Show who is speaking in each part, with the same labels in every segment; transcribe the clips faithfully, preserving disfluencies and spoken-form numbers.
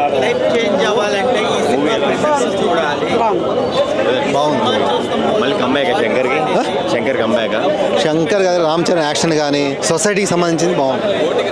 Speaker 1: Life change అవ్వాలంటే ఈ cinema ప్రేక్షకులు చూడాలి.
Speaker 2: బాగుంది.
Speaker 3: మళ్ళీ కంబ్యాక్ శంకర్కి శంకర్ కంబ్యాక్
Speaker 2: శంకర్ గారు రామ్ చరణ్ యాక్షన్ కానీ సొసైటీకి సంబంధించింది బాగుంది.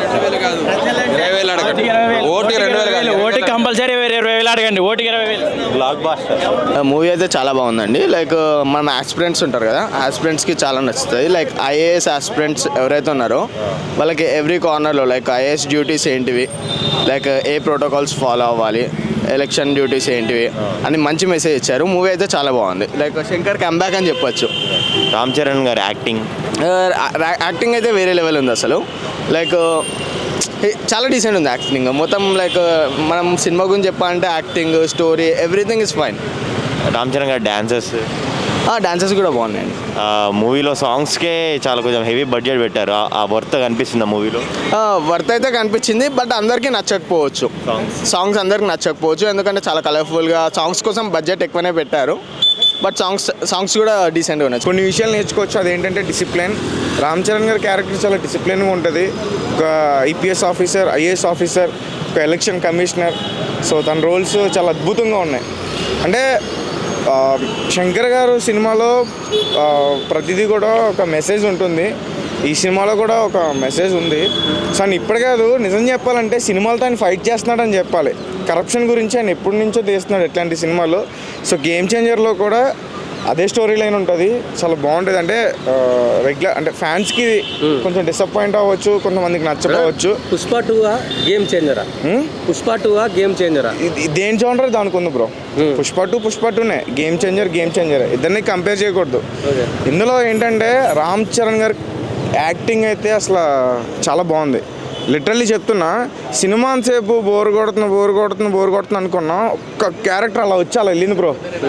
Speaker 4: ఓటీ కంపల్సరీ ఇరవై వేలు అడగండి. ఓటీకి ఇరవై వేలు.
Speaker 3: బ్లాక్ బాస్టర్
Speaker 5: మూవీ అయితే చాలా బాగుందండి. లైక్ మనం ఆస్పిరెంట్స్ ఉంటారు కదా, ఆస్పిరెంట్స్కి చాలా నచ్చుతుంది. లైక్ ఐఏఎస్ ఆస్పిరెంట్స్ ఎవరైతే ఉన్నారో వాళ్ళకి ఎవ్రీ కార్నర్లో లైక్ ఐఏఎస్ డ్యూటీస్ ఏంటివి, లైక్ ఏ ప్రోటోకాల్స్ ఫాలో అవ్వాలి, ఎలక్షన్ డ్యూటీస్ ఏంటివి అని మంచి మెసేజ్ ఇచ్చారు. మూవీ అయితే చాలా బాగుంది. లైక్ శంకర్ కంబ్యాక్ అని చెప్పొచ్చు.
Speaker 3: రామ్ చరణ్ గారి యాక్టింగ్
Speaker 5: యాక్టింగ్ అయితే వేరే లెవెల్ ఉంది అసలు. లైక్ చాలా డీసెంట్ ఉంది యాక్టింగ్ మొత్తం. లైక్ మనం సినిమా గురించి చెప్పాలంటే acting, story, everything is fine.
Speaker 3: Ram Charan గారి డాన్సెస్
Speaker 5: డాన్సెస్ కూడా బాగున్నాయండి.
Speaker 3: మూవీలో సాంగ్స్కే చాలా కొంచెం హెవీ బడ్జెట్ పెట్టారు. ఆ వర్త్ కనిపిస్తుంది ఆ మూవీలో.
Speaker 5: వర్త్ అయితే కనిపించింది, బట్ అందరికీ నచ్చకపోవచ్చు. సాంగ్స్ అందరికి నచ్చకపోవచ్చు, ఎందుకంటే చాలా కలర్ఫుల్గా సాంగ్స్ కోసం బడ్జెట్ ఎక్కువనే పెట్టారు. బట్ సాంగ్స్ సాంగ్స్ కూడా డీసెంట్గా ఉన్నాయి.
Speaker 6: కొన్ని విషయాలు నేర్చుకోవచ్చు. అదేంటంటే డిసిప్లిన్. రామ్ చరణ్ గారి క్యారెక్టర్ చాలా డిసిప్లిన్గా ఉంటుంది. ఒక ఐపీఎస్ ఆఫీసర్, ఐఏఎస్ ఆఫీసర్, ఒక ఎలక్షన్ కమిషనర్. సో తన రోల్స్ చాలా అద్భుతంగా ఉన్నాయి. అంటే శంకర్ గారు సినిమాలో ప్రతిదీ కూడా ఒక మెసేజ్ ఉంటుంది. ఈ సినిమాలో కూడా ఒక మెసేజ్ ఉంది. సో ఆయన ఇప్పుడు కాదు, నిజం చెప్పాలంటే సినిమాలతో ఆయన ఫైట్ చేస్తున్నాడని చెప్పాలి. కరప్షన్ గురించి ఆయన ఎప్పటి నుంచో తీస్తున్నాడు ఇట్లాంటి సినిమాలు. సో గేమ్ చేంజర్లో కూడా అదే స్టోరీ లైన్ ఉంటుంది. చాలా బాగుంటుంది. అంటే రెగ్యులర్ అంటే ఫ్యాన్స్కి కొంచెం డిసప్పాయింట్ అవ్వచ్చు, కొంతమందికి నచ్చకపోవచ్చు.
Speaker 7: పుష్ప టూ గేమ్ చేంజరా? పుష్ప టూ గేమ్ చేంజరా?
Speaker 6: దేని చూడండి దానికి ఉంది బ్రో. పుష్ప టూ పుష్ప టూనే. గేమ్ చేంజర్ గేమ్ చేంజర్ ఇద్దరిని కంపేర్ చేయకూడదు. ఇందులో ఏంటంటే రామ్ చరణ్ గారి యాక్టింగ్ అయితే అసలు చాలా బాగుంది. లిటరల్లీ చెప్తున్నా, సినిమా అంతసేపు బోర్ కొడుతున్నా బోర్ కొడుతున్నా బోర్ కొడుతున్నా అనుకున్నా, ఒక్క క్యారెక్టర్ అలా వచ్చి అలా వెళ్ళింది బ్రో.